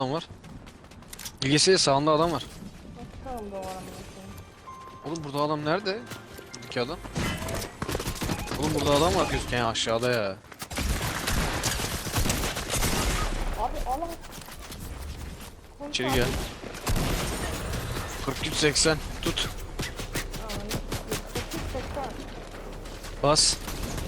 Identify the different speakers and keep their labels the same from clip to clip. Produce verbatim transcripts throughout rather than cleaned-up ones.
Speaker 1: adam var. Bilgisayar sağında adam var.
Speaker 2: Nasıl da o aramda?
Speaker 1: Oğlum burada adam nerede? Buradaki adam. Oğlum burada adam var gözüken aşağıda ya.
Speaker 2: Abi Allah.
Speaker 1: İçeri gel. kırk üç seksen tut. Bas.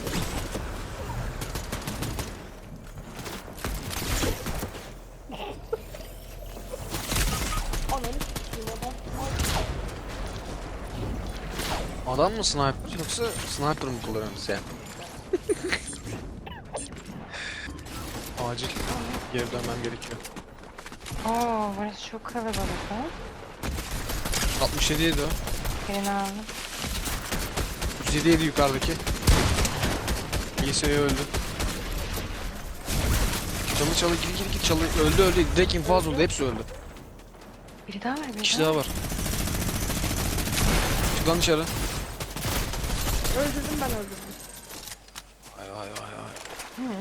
Speaker 1: Adam mı sniper yoksa sniper mı kullanıyorsun sen? Acil geri dönmem gerekiyor.
Speaker 3: Oo, burası çok kalabalık ha.
Speaker 1: altmış yedi ydi o.
Speaker 3: Birini aldım.
Speaker 1: yüz yedi ydi yukarıdaki. İyisi öldü. Çalı çalı gir gir gir çalı öldü öldü direkt infaz oldu hepsi öldü.
Speaker 3: Biri daha var,
Speaker 1: Bir
Speaker 3: biri
Speaker 1: kişi
Speaker 3: daha.
Speaker 1: daha var. Çık lan dışarı.
Speaker 2: Öldürdüm ben öldürdüm.
Speaker 1: Vay vay vay vay.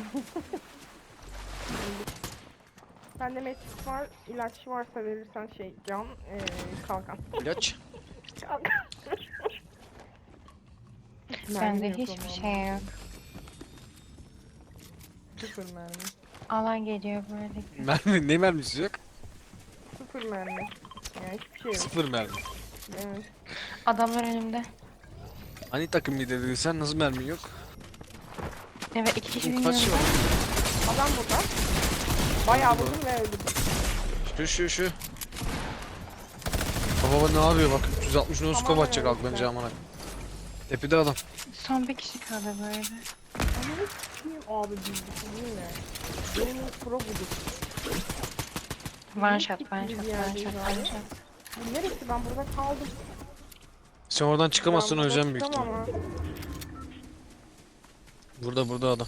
Speaker 2: Bende metis var, ilaç varsa verirsen şey can, ee, kalkan.
Speaker 1: İlaç.
Speaker 2: Kalkan.
Speaker 3: Bende
Speaker 2: Mermi yok
Speaker 3: hiçbir
Speaker 2: ama.
Speaker 3: şey yok.
Speaker 2: Sıfır mermi.
Speaker 3: Alan geliyor böyle.
Speaker 1: Mermi ne mermisi yok?
Speaker 2: Sıfır mermi. Yani hiçbir şey yok.
Speaker 1: Sıfır mermi.
Speaker 2: Evet.
Speaker 3: Adamlar önümde.
Speaker 1: Hani takım lideri sen nasıl mermi yok?
Speaker 3: Evet, iki kişi
Speaker 1: Kaç şey
Speaker 3: biniyor.
Speaker 1: var?
Speaker 2: Adam burada. Bayağı vurdum ve öldürdüm.
Speaker 1: Şu şu şu. Baba ne yapıyor bak üç yüz altmış no scope
Speaker 2: Tamam,
Speaker 1: atacak
Speaker 2: evet,
Speaker 1: aklınca
Speaker 2: güzel.
Speaker 1: amına. Tepede adam.
Speaker 3: Son bir kişi kaldı böyle.
Speaker 2: Ananı s**eyim abi bildik değil mi? Benim ilk pro budur.
Speaker 3: One
Speaker 2: Niye
Speaker 3: shot, one
Speaker 2: gittik
Speaker 3: shot,
Speaker 2: bir
Speaker 3: one
Speaker 2: yerdeyiz
Speaker 3: shot,
Speaker 2: abi?
Speaker 3: one shot.
Speaker 2: Bu neresi? Ben burada kaldım.
Speaker 1: Sen oradan çıkamazsın
Speaker 2: Ben
Speaker 1: öleceğim büyük
Speaker 2: korktum
Speaker 1: ihtimal.
Speaker 2: ama.
Speaker 1: Burada burada adam.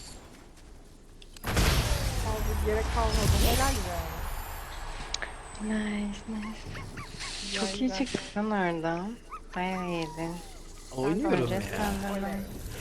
Speaker 2: Abi gerek kalmadı. Helal ya.
Speaker 3: Nice, nice. Çok iyi
Speaker 2: Güzel.
Speaker 3: çıktın oradan. Bayağı iyiydin.
Speaker 1: Oynuyorum
Speaker 3: Önce
Speaker 1: ya.
Speaker 3: sandalye.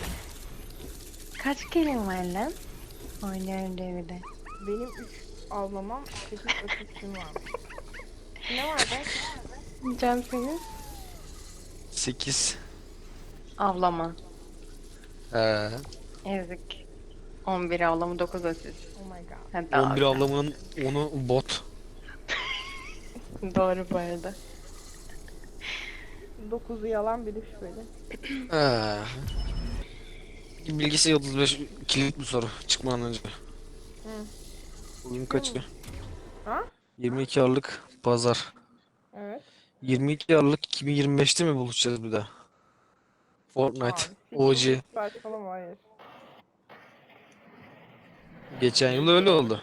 Speaker 3: Kaç kelin var lan? Oynuyorum diye bir de.
Speaker 2: Benim üç avlamam, sekiz asistim var. Ne var be?
Speaker 3: Can senin?
Speaker 1: sekiz.
Speaker 3: Avlama.
Speaker 1: Ee,
Speaker 3: Ezik. on bir avlama, dokuz asist.
Speaker 2: Oh my god.
Speaker 3: Hatta
Speaker 1: on bir avlamanın onu bot.
Speaker 3: Doğru bu arada.
Speaker 2: dokuzu yalan biri şüpheli.
Speaker 1: Ee, bilgisi otuz beş kilit bir soru çıkmadan önce.
Speaker 2: Hı.
Speaker 1: Bugün kaçı?
Speaker 2: Ha?
Speaker 1: yirmi iki Aralık Pazar.
Speaker 2: Evet.
Speaker 1: yirmi iki Aralık iki bin yirmi beşte mi buluşacağız bir daha? Fortnite,
Speaker 2: Abi,
Speaker 1: O G.
Speaker 2: saçmalama hayır.
Speaker 1: Geçen yıl öyle oldu.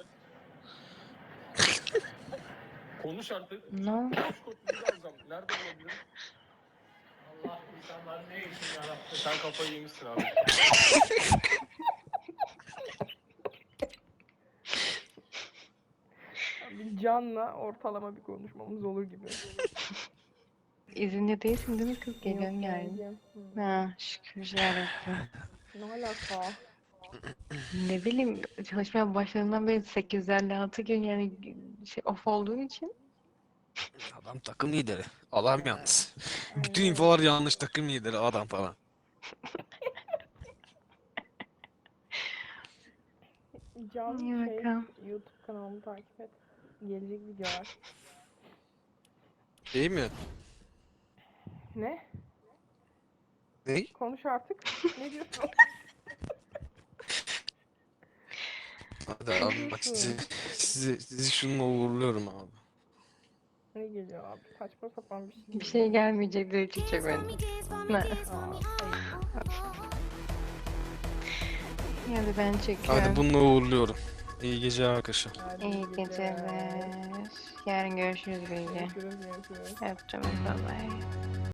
Speaker 4: Konuş artık.
Speaker 3: No.
Speaker 4: Konuş konuş alacağım. Nerede olabilir? Allah insanlar ne için yarattı? Sen kafayı yemişsin abi.
Speaker 2: Bir canla ortalama bir konuşmamız olur gibi.
Speaker 3: İzinli değilsin değil mi kız? Geliyorsun
Speaker 2: Yok,
Speaker 3: yani.
Speaker 2: geleceğim. Hı.
Speaker 3: Ha, şükür yarabbim.
Speaker 2: Ne alaka?
Speaker 3: Ne bileyim, çalışmaya başladığından beri sekiz yüz elli altı gün yani şey off olduğum için.
Speaker 1: Adam takım lideri. Adam yalnız. Bütün
Speaker 2: Aynen.
Speaker 1: infolar yanlış takım lideri adam falan.
Speaker 2: Can
Speaker 3: İyi
Speaker 2: şey,
Speaker 3: bakalım.
Speaker 2: YouTube kanalımı takip et. Gelecek videolar.
Speaker 1: Değil mi?
Speaker 2: Ne?
Speaker 1: Ne?
Speaker 2: Konuş artık. Ne diyorsun?
Speaker 1: Hadi abi bak sizi, sizi, sizi şununla uğurluyorum abi.
Speaker 2: Ne geliyor abi? Saçma sapan bir şey.
Speaker 3: Bir şey gelmeyecek diye çiçek böyle. Ne?
Speaker 2: Aa, hayır.
Speaker 3: Hadi ben çekiyorum.
Speaker 1: Hadi bununla uğurluyorum. İyi geceler arkadaşlar.
Speaker 2: Hadi
Speaker 3: İyi
Speaker 2: geceler.
Speaker 3: geceler. Yarın görüşürüz Bilge.
Speaker 2: Görüşürüz, görüşürüz.
Speaker 3: Öptüm. Bye bye.